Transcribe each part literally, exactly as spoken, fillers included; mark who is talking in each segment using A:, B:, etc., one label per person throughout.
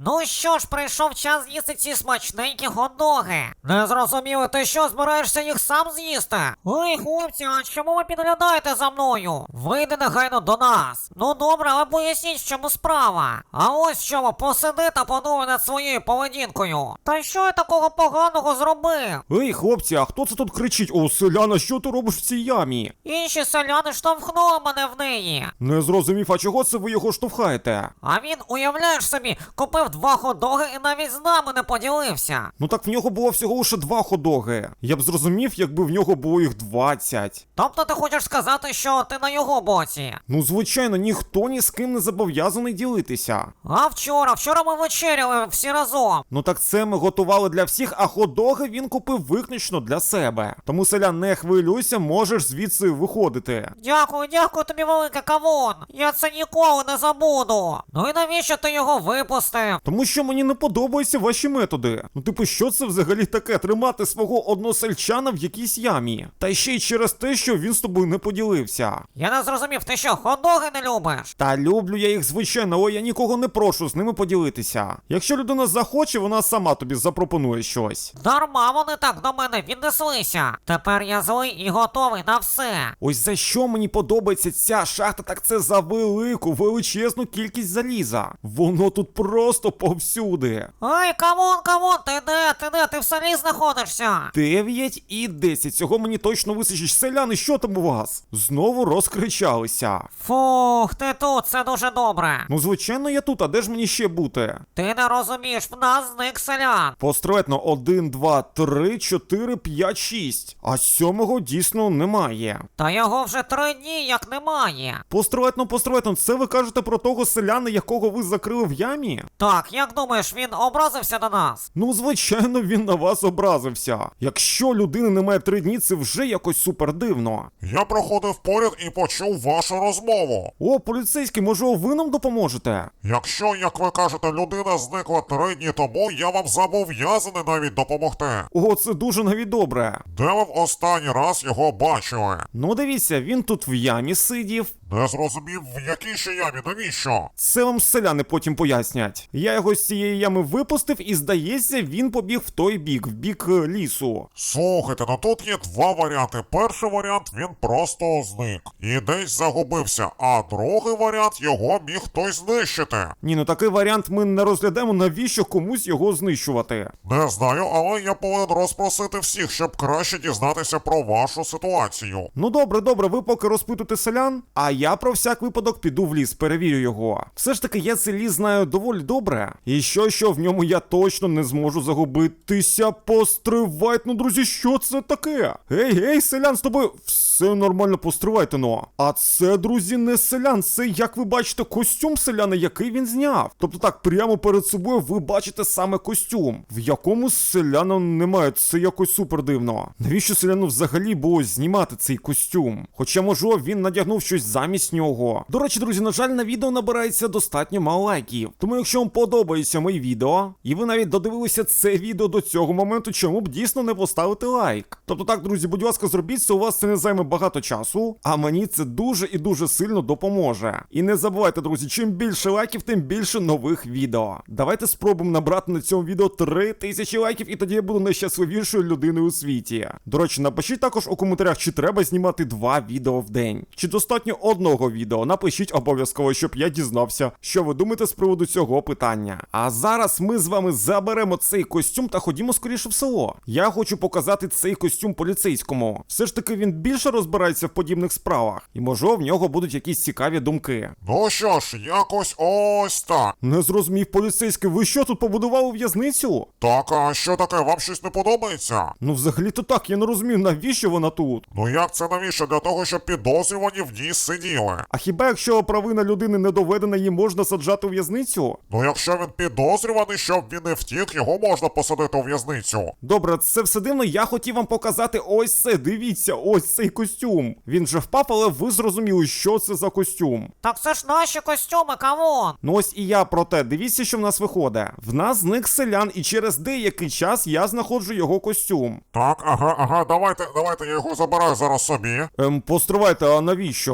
A: Ну що ж, прийшов час з'їсти ці смачненькі хот-доги. Не зрозуміли, ти що, збираєшся їх сам з'їсти? Ой, хлопці, а чому ви підглядаєте за мною? Вийди негайно до нас. Ну добре, але поясніть, в чому справа. А ось в чому, посиди та подумай над своєю поведінкою. Та що я такого поганого зробив?
B: Ей, хлопці, а хто це тут кричить? О, селяна, що ти робиш в цій ямі?
A: Інші селяни штовхнули мене в неї.
B: Не зрозумів, а чого це ви його штовхаєте?
A: А він, уявляєш собі, купив два хот-доги і навіть з нами не поділився.
B: Ну так в нього було всього лише два хот-доги. Я б зрозумів, якби в нього було їх двадцять.
A: Тобто ти хочеш сказати, що ти на його боці?
B: Ну, звичайно, ніхто ні з ким не зобов'язаний ділитися.
A: А вчора, вчора ми вечеряли всі разом.
B: Ну так це ми готували для всіх, а хот-доги він купив виключно для себе. Тому, селян, не хвилюйся, можеш звідси виходити.
A: Дякую, дякую тобі, велике кавун. Я це ніколи не забуду. Ну і навіщо ти його випустив?
B: Тому що мені не подобаються ваші методи. Ну типу, що це взагалі таке? Тримати свого односельчана в якійсь ямі? Та ще й через те, що він з тобою не поділився.
A: Я не зрозумів, ти що, хот-доги не любиш?
B: Та люблю я їх, звичайно, але я нікого не прошу з ними поділитися. Якщо людина захоче, вона сама тобі запропонує щось.
A: Дарма вони так до мене віднеслися. Тепер я злий і готовий на все.
B: Ось за що мені подобається ця шахта, так це за велику, величезну кількість заліза. Воно тут просто повсюди.
A: Ай, камон, камон, ти де, ти де, ти в селі знаходишся?
B: дев'ять і десять. Цього мені точно вистачить. Селяни, що там у вас? Знову розкричалися.
A: Фух, ти тут, це дуже добре.
B: Ну, звичайно, я тут, а де ж мені ще бути?
A: Ти не розумієш, в нас зник селян.
B: Построєтно один, два, три, чотири, п'ять, шість. А сьомого дійсно немає.
A: Та його вже три дні як немає.
B: Построєтно, построєтно, це ви кажете про того селяна, якого ви закрили в ямі?
A: Так, як думаєш, він образився на нас?
B: Ну, звичайно, він на вас образився. Якщо людини немає три дні, це вже якось супер дивно.
C: Я проходив поряд і почув вашу розмову.
B: О, поліцейський, може ви нам допоможете?
C: Якщо, як ви кажете, людина зникла три дні тому, я вам зобов'язаний навіть допомогти.
B: О, це дуже навіть добре.
C: Де ви в останній раз його бачили?
B: Ну, дивіться, він тут в ямі сидів.
C: Не зрозумів, в якій ще ямі, навіщо?
B: Це вам селяни потім пояснять. Я його з цієї ями випустив і, здається, він побіг в той бік, в бік е, лісу.
C: Слухайте, ну тут є два варіанти. Перший варіант, він просто зник і десь загубився, а другий варіант, його міг хтось знищити.
B: Ні, ну такий варіант ми не розглядаємо, навіщо комусь його знищувати.
C: Не знаю, але я повинен розпросити всіх, щоб краще дізнатися про вашу ситуацію.
B: Ну добре, добре, ви поки розпитуйте селян, а я про всяк випадок піду в ліс, перевірю його. Все ж таки, я цей ліс знаю доволі добре. І що, що в ньому я точно не зможу загубитися. Постривайте, ну, друзі, що це таке? Гей, гей, селян, з тобою все нормально, постривайте, ну. А це, друзі, не селян, це, як ви бачите, костюм селяна, який він зняв. Тобто так, прямо перед собою ви бачите саме костюм, в якому селяна немає, це якось супер дивно. Навіщо селяну взагалі було знімати цей костюм? Хоча, може, він надягнув щось замість нього. До речі, друзі, на жаль, на відео набирається достатньо мало лайків. Тому якщо вам подобається моє відео, і ви навіть додивилися це відео до цього моменту, чому б дійсно не поставити лайк? Тобто так, друзі, будь ласка, зробіть це, у вас це не займе багато часу, а мені це дуже і дуже сильно допоможе. І не забувайте, друзі, чим більше лайків, тим більше нових відео. Давайте спробуємо набрати на цьому відео три тисячі лайків, і тоді я буду найщасливішою людиною у світі. До речі, напишіть також у коментарях, чи треба знімати два відео в день, чи достатньо одного відео. Напишіть обов'язково, щоб я дізнався, що ви думаєте з приводу цього питання. А зараз ми з вами заберемо цей костюм та ходімо скоріше в село. Я хочу показати цей костюм поліцейському. Все ж таки він більше розбирається в подібних справах, і може в нього будуть якісь цікаві думки.
C: Ну що ж, якось ось так.
B: Не зрозумів, поліцейський, ви що, тут побудували в'язницю?
C: Так, а що таке, вам щось не подобається?
B: Ну взагалі-то так, я не розумію, навіщо вона тут?
C: Ну як це навіщо? Для того, щоб підозрювані в ній сиділи.
B: А хіба якщо провина людини не доведена, її можна саджати у в'язницю?
C: Ну якщо він підозрюваний, щоб він не втік, його можна посадити у в'язницю.
B: Добре, це все дивно, я хотів вам показати ось це, дивіться, ось цей костюм. Він же впав, але ви зрозуміли, що це за костюм.
A: Так це ж наші костюми, камон.
B: Ну ось і я про те, дивіться, що в нас виходить. В нас зник селян, і через деякий час я знаходжу його костюм.
C: Так, ага, ага, давайте, давайте я його забираю зараз собі.
B: Ем, постривайте, а навіщо?
C: Ну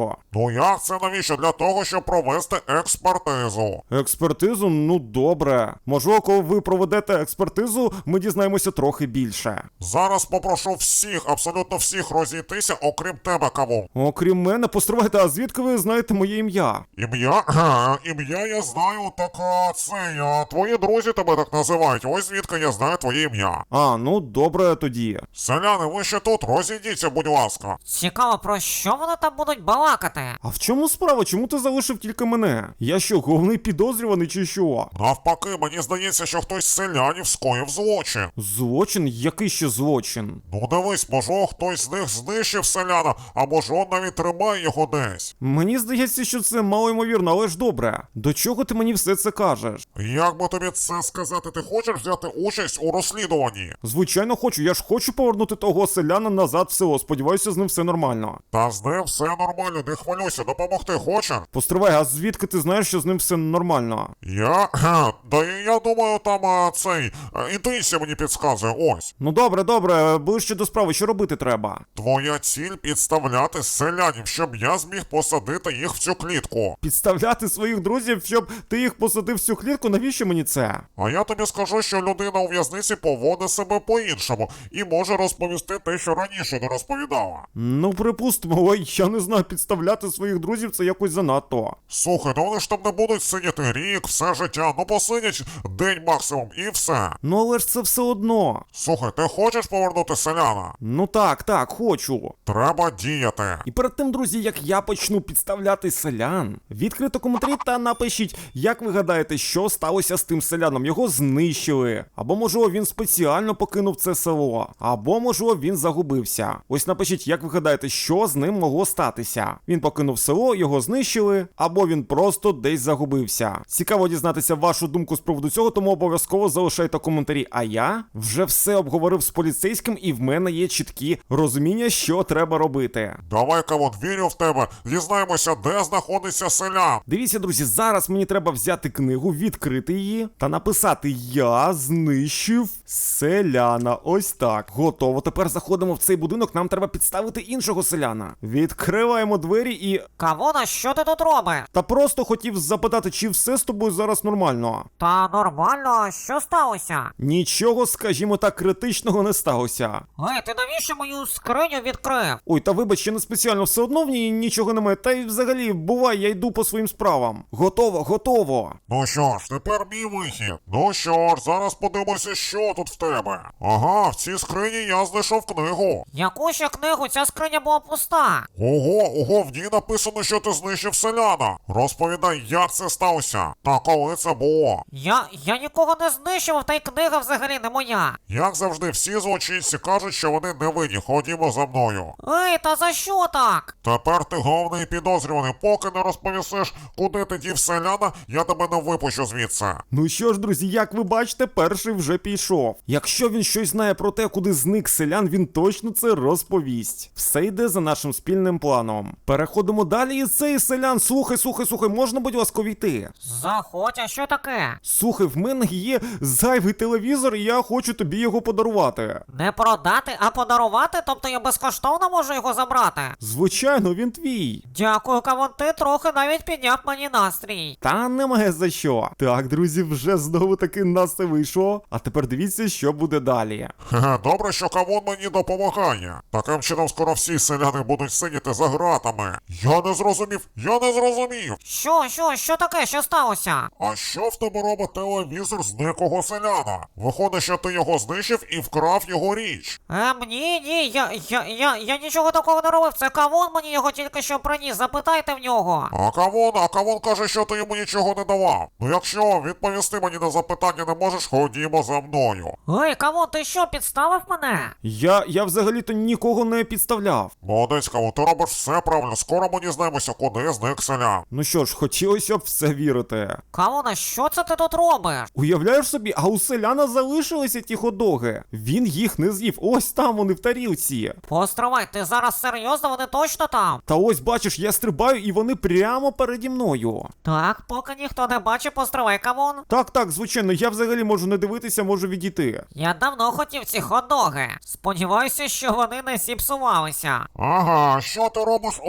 C: Ну як це навіщо? Для того, щоб провести експертизу.
B: Експертизу? Ну добре. Можливо, коли ви проведете експертизу, ми дізнаємося трохи більше.
C: Зараз попрошу всіх, абсолютно всіх розійтися, окрім тебе, Кавун.
B: Окрім мене, постривайте, а звідки ви знаєте моє ім'я?
C: Ім'я? Ага, ім'я я знаю, так а, це я. Твої друзі тебе так називають. Ось звідки я знаю твоє ім'я.
B: А, ну добре тоді.
C: Селяни, ви ще тут, розійдіться, будь ласка.
A: Цікаво, про що вони там будуть балакати?
B: А в чому справа? Чому ти залишив тільки мене? Я що, головний підозрюваний чи що?
C: Навпаки, мені здається, що хтось з селянів скоїв злочин.
B: Злочин? Який ще злочин?
C: Ну дивись, можливо, хтось з них знищив селяна, а може он навіть тримає його десь.
B: Мені здається, що це малоймовірно, але ж добре. До чого ти мені все це кажеш?
C: Як би тобі це сказати, ти хочеш взяти участь у розслідуванні?
B: Звичайно хочу, я ж хочу повернути того селяна назад в село. Сподіваюся, з ним все нормально.
C: Та з ним все нормально, не хвилюйся, допомогти хочеш?
B: Постривай, а звідки ти знаєш, що з ним все нормально?
C: Я? Ха, да і я думаю, там а, цей а, інтуїція мені підказує, ось.
B: Ну добре, добре, ближче до справи, що робити треба?
C: Твоя ціль підставляти селянів, щоб я зміг посадити їх в цю клітку.
B: Підставляти своїх друзів, щоб ти їх посадив в цю клітку, навіщо мені це?
C: А я тобі скажу, що людина у в'язниці поводить себе по-іншому і може розповісти те, що раніше не розповідала.
B: Ну, припустимо, ой, я не знаю, підставляти своїх друзів це якось занадто.
C: Слухай, ну вони ж там не будуть сидіти рік, все життя, ну посидять день максимум і все.
B: Ну але ж це все одно.
C: Слухай, ти хочеш повернути селяна?
B: Ну так, так, хочу.
C: Треба діяти.
B: І перед тим, друзі, як я почну підставляти селян, відкрито коментарі та напишіть, як ви гадаєте, що сталося з тим селяном. Його знищили. Або, можливо, він спеціально покинув це село. Або, можливо, він загубився. Ось напишіть, як ви гадаєте, що з ним могло статися. Він покинув село, його знищили, або він просто десь загубився. Цікаво дізнатися вашу думку з приводу цього, тому обов'язково залишайте коментарі. А я вже все обговорив з поліцейським, і в мене є чіткі розуміння, що треба робити.
C: Давай, Кавун, вірю в тебе. Дізнаємося, де знаходиться селян.
B: Дивіться, друзі, зараз мені треба взяти книгу, відкрити її та написати «Я знищив селяна». Ось так. Готово. Тепер заходимо в цей будинок, нам треба підставити іншого селяна. Відкриваємо двері і...
A: Кавуна, що ти тут робиш?
B: Та просто хотів запитати, чи все з тобою зараз нормально.
A: Та нормально, що сталося?
B: Нічого, скажімо так, критичного не сталося.
A: Ей, ти навіщо мою скриню відкрив?
B: Ой, та вибач, я не спеціально, все одно в ній нічого немає. Та й взагалі, бувай, я йду по своїм справам. Готово, готово.
C: Ну що ж, тепер мій вихід. Ну що ж, зараз подивимося, що тут в тебе. Ага, в цій скрині я знайшов книгу.
A: Яку ще книгу? Ця скриня була пуста.
C: Ого, ого, в ній написано, що ти знищив селяна. Розповідай, як це сталося, та коли це було.
A: Я, я нікого не знищував, та й книга взагалі не моя.
C: Як завжди, всі злочинці кажуть, що вони не винні. Ходімо за мною.
A: Ей, та за що так?
C: Тепер ти головний підозрюваний. Поки не розповісиш, куди ти дів селяна, я тебе не випущу звідси.
B: Ну що ж, друзі, як ви бачите, перший вже пішов. Якщо він щось знає про те, куди зник селян, він точно це розповість. Все йде за нашим спільним планом. Переходимо далі, і цей селян, слухай, слухай, слухай, можна, будь ласка, війти?
A: Заходь, а що таке?
B: Слухай, в мене є зайвий телевізор, і я хочу тобі його подарувати.
A: Не продати, а подарувати? Тобто я безкоштовно можу його забрати?
B: Звичайно, він твій.
A: Дякую, Кавун, ти трохи навіть підняв мені настрій.
B: Та немає за що. Так, друзі, вже знову таки нас це вийшло. А тепер дивіться, що буде далі.
C: Хе-хе, добре, що Кавун мені допомагає. Таким чином скоро всі селяни будуть сидіти за гратами. Я не зрозумів, я не зрозумів.
A: Що, що, що таке, що сталося?
C: А що в тебе робить телевізор зниклого селяна? Виходить, що ти його знищив і вкрав його річ.
A: Ем, ні, ні, я, я, я, я нічого такого не робив, це Кавун мені його тільки що приніс, запитайте в нього.
C: А Кавун, а Кавун каже, що ти йому нічого не давав. Ну якщо відповісти мені на запитання не можеш, ходімо за мною.
A: Ей, Кавун, ти що, підставив мене?
B: Я, я взагалі-то нікого не підставляв.
C: Молодець, Кавун, ти робиш все правильно, скоро ми дізнаємося, куди зник селян.
B: Ну що ж, хотілося б в це вірити.
A: Кавуна, що це ти тут робиш?
B: Уявляєш собі, а у селяна залишилися ті ходоги. Він їх не з'їв. Ось там вони в тарілці.
A: Постривай, ти зараз серйозно, вони точно там?
B: Та ось бачиш, я стрибаю і вони прямо переді мною.
A: Так, поки ніхто не бачить, постривай, Кавун.
B: Так, так, звичайно, я взагалі можу не дивитися, можу відійти.
A: Я давно хотів ці хот-доги. Сподіваюся, що вони не зіпсувалися.
C: Ага, що ти робиш у будинку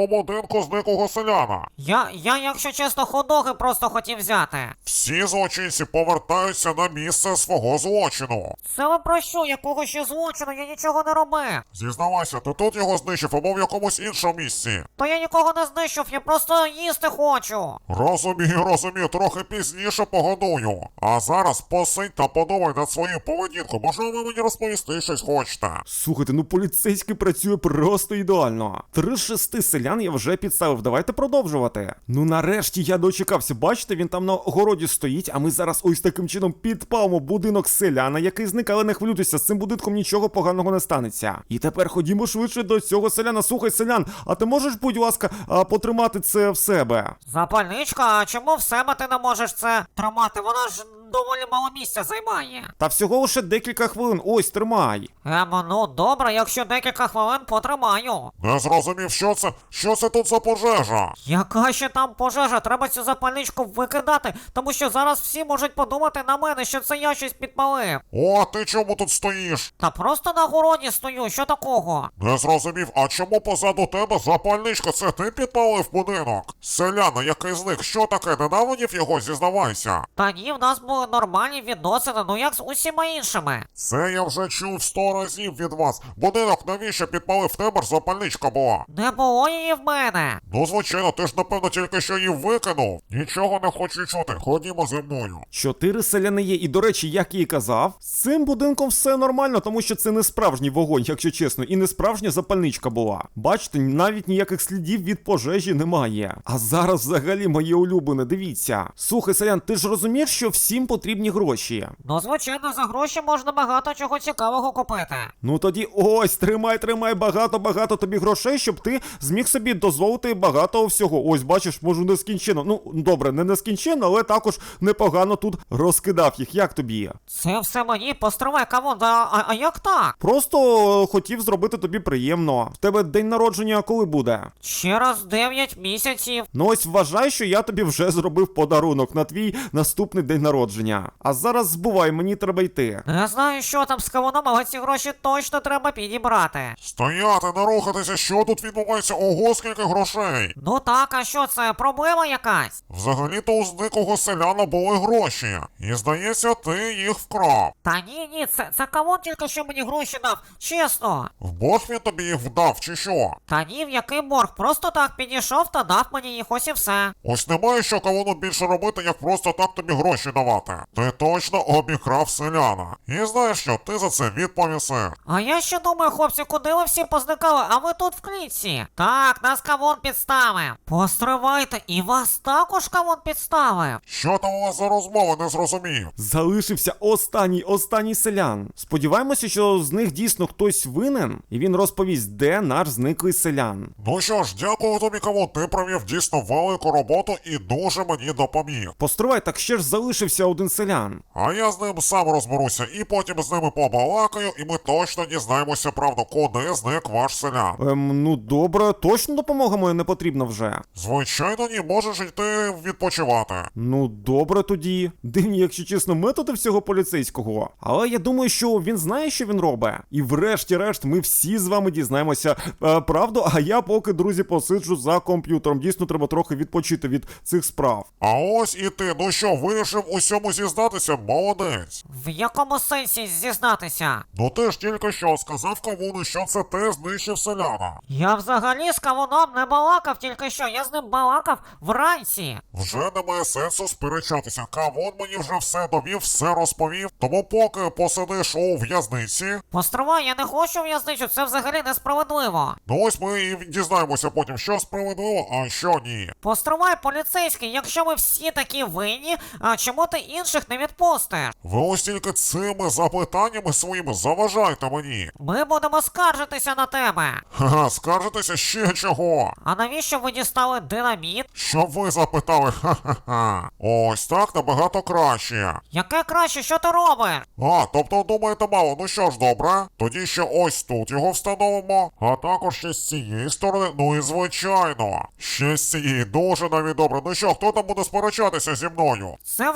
C: будинку зниклого селяна.
A: Я, я, якщо чесно, хот-доги просто хотів взяти.
C: Всі злочинці повертаються на місце свого злочину.
A: Це ви про що? Якого ще злочину? Я нічого не робив.
C: Зізнавайся, ти тут його знищив або в якомусь іншому місці.
A: То я нікого не знищив, я просто їсти хочу.
C: Розумію, розумію, трохи пізніше погодую. А зараз посидь та подумай над своєю поведінкою. Можливо, ви мені розповісти щось хочете.
B: Слухайте, ну поліцейський працює просто ідеально. Три з шести селян я вже підставив, давайте продовжувати. Ну нарешті я дочекався, бачите, він там на городі стоїть, а ми зараз ось таким чином підпалимо будинок селяна, який зник, але не хвилюйтеся, з цим будинком нічого поганого не станеться. І тепер ходімо швидше до цього селяна. Слухай, селян, а ти можеш, будь ласка, а, потримати це в себе?
A: Запальничка, а чому в себе ти не можеш це тримати? Вона ж доволі мало місця займає.
B: Та всього лише декілька хвилин, ось, тримай.
A: Ем, ну добре, якщо декілька хвилин потримаю.
C: Не зрозумів, що це? Що це тут за пожежа?
A: Яка ще там пожежа? Треба цю запальничку викидати, тому що зараз всі можуть подумати на мене, що це я щось підпалив.
C: О, ти чому тут стоїш?
A: Та просто на городі стою, що такого?
C: Не зрозумів, а чому позаду тебе запальничка? Це ти підпалив будинок? Селяна, який зник, що таке? Ненавидів його, зізнавайся.
A: Та ні, в нас були нормальні відносини, ну як з усіма іншими.
C: Це я вже чув сто разів від вас. Будинок навіщо підпалив, в тебе ж запальничка була?
A: Не було її в мене.
C: Ну, звичайно, ти ж напевно тільки що її викинув. Нічого не хочу чути, ходімо зі мною.
B: Чотири селяни є, і до речі, як я і казав, з цим будинком все нормально, тому що це не справжній вогонь, якщо чесно, і не справжня запальничка була. Бачите, навіть ніяких слідів від пожежі немає. А зараз взагалі моє улюблене, дивіться. Слухай, селян, ти ж розумієш, що всім потрібні гроші?
A: Ну, звичайно, за гроші можна багато чого цікавого купити.
B: Ну тоді ось, тримай, тримай багато-багато тобі грошей, щоб ти зміг собі дозволити багато всього. Ось, бачиш, можу нескінченно. Ну, добре, не нескінченно, але також непогано тут розкидав їх. Як тобі?
A: Це все мені, постривай, кавун, а, а, а як так?
B: Просто е, хотів зробити тобі приємно. В тебе день народження коли буде?
A: Через дев'ять місяців.
B: Ну ось вважай, що я тобі вже зробив подарунок на твій наступний день народження. А зараз збувай, мені треба йти.
A: Не знаю, що там з кавуном, але ці гроші точно треба підібрати.
C: Стояти, не рухатися, що тут відбувається? Ого, скільки грошей!
A: Ну так, а що це, проблема якась?
C: Взагалі-то у зниклого селяна були гроші. І здається, ти їх вкрав.
A: Та ні, ні, це, це кавун тільки що мені гроші дав, чесно.
C: В борг він тобі їх вдав, чи що?
A: Та ні, в який борг, просто так підійшов та дав мені їх, ось і все.
C: Ось немає що кавуну більше робити, як просто так тобі гроші давати. Ти точно обікрав селяна. І знаєш що, ти за це відповісиш.
A: А я ще думаю, хлопці, куди ви всі позникали, а ви тут в клітці. Так, нас кавун підставив. Постривайте, і вас також кавун підставив.
C: Що там у вас за розмова, не зрозумів.
B: Залишився останній, останній селян. Сподіваємося, що з них дійсно хтось винен, і він розповість, де наш зниклий селян.
C: Ну що ж, дякую тобі, кавун, ти провів дійсно велику роботу і дуже мені допоміг.
B: Постривай, так ще ж залишився один селян.
C: А я з ним сам розберуся, і потім з ними побалакаю, і ми точно дізнаємося правду, куди зник ваш селян.
B: Ем, ну добре, точно допомога моя не потрібна вже.
C: Звичайно, ні, можеш йти відпочивати.
B: Ну добре тоді. Дивні, якщо чесно, методи всього поліцейського. Але я думаю, що він знає, що він робить. І врешті-решт ми всі з вами дізнаємося е, правду, а я поки, друзі, посиджу за комп'ютером. Дійсно, треба трохи відпочити від цих справ.
C: А ось і ти, ну що, вирішив усьому зізнатися? Молодець.
A: В якому сенсі зізнатися?
C: Ну ти ж тільки що сказав кавуну, що це ти знищив селяна.
A: Я взагалі з кавуном не балакав тільки що, я з ним балакав вранці.
C: Вже немає сенсу сперечатися. Кавун мені вже все довів, все розповів. Тому поки посидиш у в'язниці,
A: Постривай, я не хочу в'язничу, це взагалі несправедливо.
C: ну ось ми і дізнаємося потім, що справедливо, а що ні.
A: Постривай, поліцейський, якщо ми всі такі винні, а чому ти інших не відпустиш?
C: Ви ось тільки цими запитаннями своїми заважайте мені.
A: Ми будемо скаржитися на тебе.
C: Ха-ха, скаржитеся ще чого?
A: А навіщо ви дістали динаміт?
C: Щоб ви запитали, ха-ха-ха. Ось так набагато краще.
A: Яке краще, що ти робиш?
C: А, тобто думаєте мало, ну що ж, добре. Тоді ще ось тут його встановимо, а також ще з цієї сторони, ну і звичайно. Ще з цієї дуже навіть добре. Ну що, хто там буде сперечатися зі мною?
A: Це вже перейшло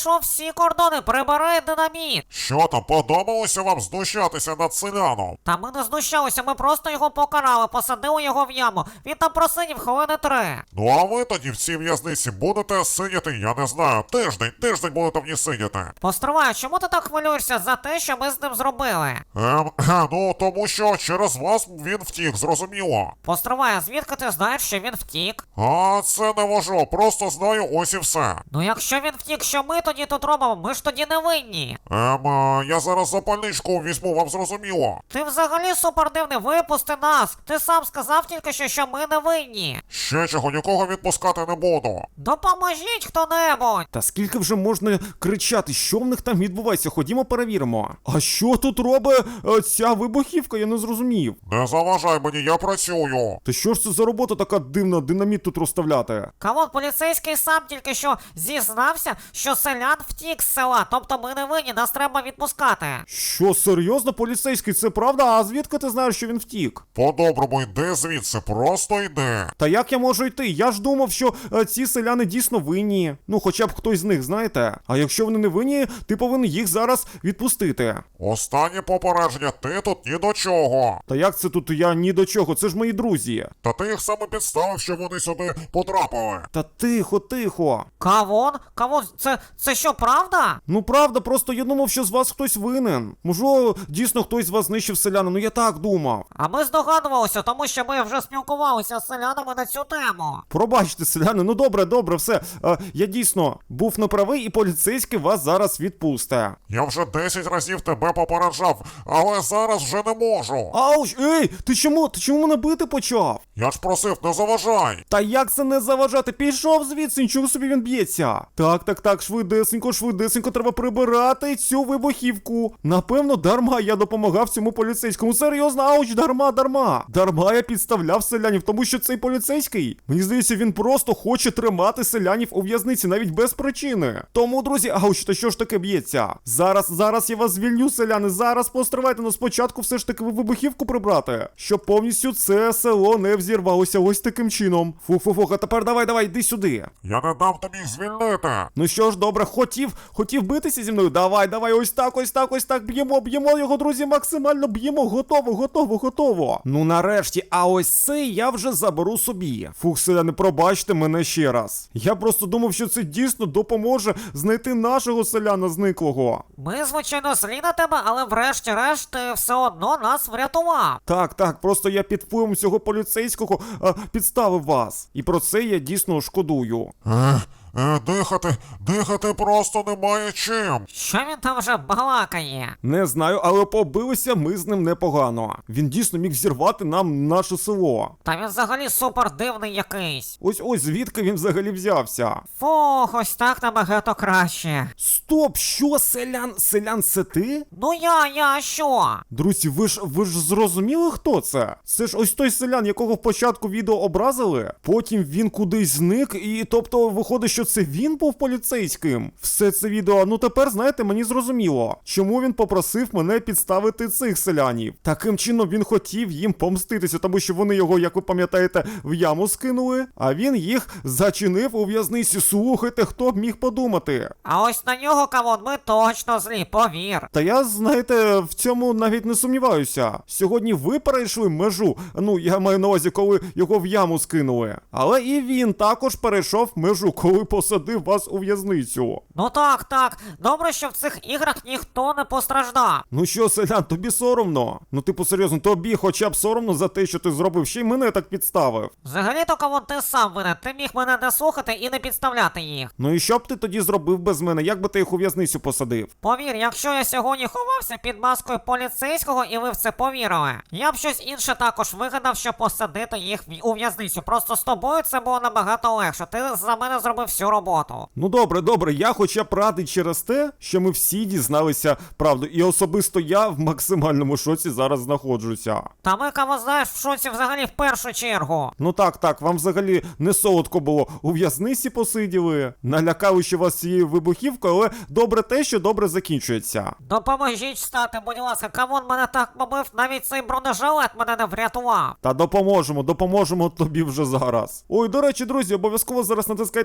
A: порушував всі кордони, прибери динаміт.
C: Що там, подобалося вам знущатися над селяном?
A: Та ми не знущалися, ми просто його покарали, посадили його в яму. Він там просидів хвилини три.
C: Ну а ви тоді в цій в'язниці будете сидіти, я не знаю, тиждень, тиждень будете в ній сидіти.
A: Постривай, чому ти так хвилюєшся за те, що ми з ним зробили?
C: Ем, ну тому що через вас він втік, зрозуміло.
A: Постривай, а звідки ти знаєш, що він втік?
C: А це не важливо, просто знаю, ось і все.
A: Ну якщо він втік, що ми тоді тут робимо? Ми ж тоді не винні.
C: Ем, е, я зараз запальничку візьму, вам зрозуміло.
A: Ти взагалі супердивний, випусти нас. Ти сам сказав тільки що, що ми не винні.
C: Ще чого, нікого відпускати не буду.
A: Допоможіть хто-небудь.
B: Та скільки вже можна кричати, що в них там відбувається? Ходімо перевіримо. А що тут робить е, ця вибухівка? Я не зрозумів.
C: Не заважай мені, я працюю.
B: Та що ж це за робота така дивна, динаміт тут розставляти?
A: Камон, поліцейський сам тільки що зізнався, що селян втік з села, тобто ми не винні, нас треба відпускати.
B: Що, серйозно, поліцейський, це правда? А звідки ти знаєш, що він втік?
C: По-доброму йди звідси, просто йди.
B: Та як я можу йти? Я ж думав, що е, ці селяни дійсно винні. Ну, хоча б хтось з них, знаєте. А якщо вони не винні, ти повинен їх зараз відпустити.
C: Останнє попередження, ти тут ні до чого.
B: Та як це тут я ні до чого? Це ж мої друзі.
C: Та ти їх саме підставив, що вони сюди потрапили.
B: Та тихо, тихо.
A: Кавон? Кавон, це, це що, правда?
B: Ну правда, просто я думав, що з вас хтось винен. Можливо, дійсно хтось з вас знищив селяна, ну я так думав.
A: А ми здогадувалися, тому що ми вже спілкувалися з селянами на цю тему.
B: Пробачте, селяни, ну добре, добре, все. Е, я дійсно був неправий і поліцейський вас зараз відпусте.
C: Я вже десять разів тебе попереджав, але зараз вже не можу.
B: Ауч, ей, ти чому, ти чому мене бити почав?
C: Я ж просив, не заважай.
B: Та як це не заважати? Пішов звідси, нічого собі він б'ється. Так, так, так, швидесенько, швидесенько, треба прибирати цю вибухівку. Напевно, дарма я допомагав цьому поліцейському. Серйозно, ауч, дарма, дарма. Дарма я підставляв селянів, тому що цей поліцейський, мені здається, він просто хоче тримати селянів у в'язниці, навіть без причини. Тому, друзі, ауч, та що ж таке б'ється? Зараз, зараз я вас звільню, селяни, зараз постривайте, но спочатку все ж таки вибухівку прибрати, щоб повністю це село не взірвалося ось таким чином. Фу-фу-фу, а тепер давай, давай, йди сюди.
C: Я не дам тобі їх звільнити.
B: Ну що ж, добре, хотів, хотів битися зі мною? Давай, давай, ось так, ось так, ось так, б'ємо, б'ємо його, друзі, максимально б'ємо, готово, готово, готово. Ну нарешті, а ось це я вже заберу собі. Фух, селяни, пробачте мене ще раз. Я просто думав, що це дійсно допоможе знайти нашого селяна зниклого.
A: Ми, звичайно, злі на тебе, але врешті-решт ти все одно нас врятував.
B: Так, так, просто я під впливом цього поліцейського а, підставив вас. І про це я дійсно шкодую.
C: Ех, е, дихати, дихати просто немає чим.
A: Що він там вже балакає?
B: Не знаю, але побилися ми з ним непогано. Він дійсно міг зірвати нам наше село.
A: Та він взагалі супер дивний якийсь.
B: Ось ось звідки він взагалі взявся.
A: Фух, ось так набагато краще.
B: Стоп, що, селян? Селян, це ти?
A: Ну я, я, що?
B: Друзі, ви ж ви ж зрозуміли, хто це? Це ж ось той селян, якого в початку відео образили. Потім він кудись зник, і тобто виходить, що це він був поліцейським. Все це відео, ну тепер, знаєте, мені зрозуміло, чому він попросив мене підставити цих селянів. Таким чином він хотів їм помститися, тому що вони його, як ви пам'ятаєте, в яму скинули, а він їх зачинив у в'язниці. Слухайте, хто б міг подумати.
A: А ось на нього, Кавон, ми точно злі, повір.
B: Та я, знаєте, в цьому навіть не сумніваюся. Сьогодні ви перейшли межу. Ну, я маю на увазі, коли його в яму скинули. Але і він також перейшов межу, коли посадив вас у в'язницю.
A: Ну так, так. Добре, що в цих іграх ніхто не постраждав.
B: Ну що, селян, тобі соромно? Ну, типу, серйозно, тобі хоча б соромно за те, що ти зробив, ще й мене так підставив.
A: Взагалі-то, Кавон, ти сам винен. Ти міг мене не слухати і не підставляти їх.
B: Ну і що б ти тоді зробив без мене? Як би ти їх у в'язницю посадив?
A: Повір, якщо я сьогодні ховався під маскою поліцейського і ви в це повірили, я б щось інше також вигадав, щоб посадити їх в- у в'язницю. Просто з тобою це було набагато легше. Ти за мене зробив всю роботу.
B: Ну добре, добре, я хоча б радий через те, що ми всі дізналися правду. І особисто я в максимальному шоці зараз знаходжуся.
A: Та ми, Кавон, знаєш, в шоці взагалі в першу чергу.
B: Ну так, так, вам взагалі не солодко було. У в'язниці посиділи, налякали ще вас цією вибухівкою, але добре те, що добре закінчується.
A: Допоможіть встати, будь ласка, Кавон мене так побив, навіть цей бронежилет мене не врятував.
B: Та допоможемо, допоможемо тобі вже зараз. Ой, до речі, друзі, обов'язково зараз натискайте на інші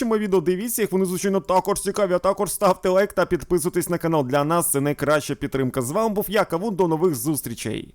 B: мої відео дивіться, їх вони, звичайно, також цікаві, а також ставте лайк та підписуйтесь на канал. Для нас це найкраща підтримка. З вами був я, Кавун, до нових зустрічей.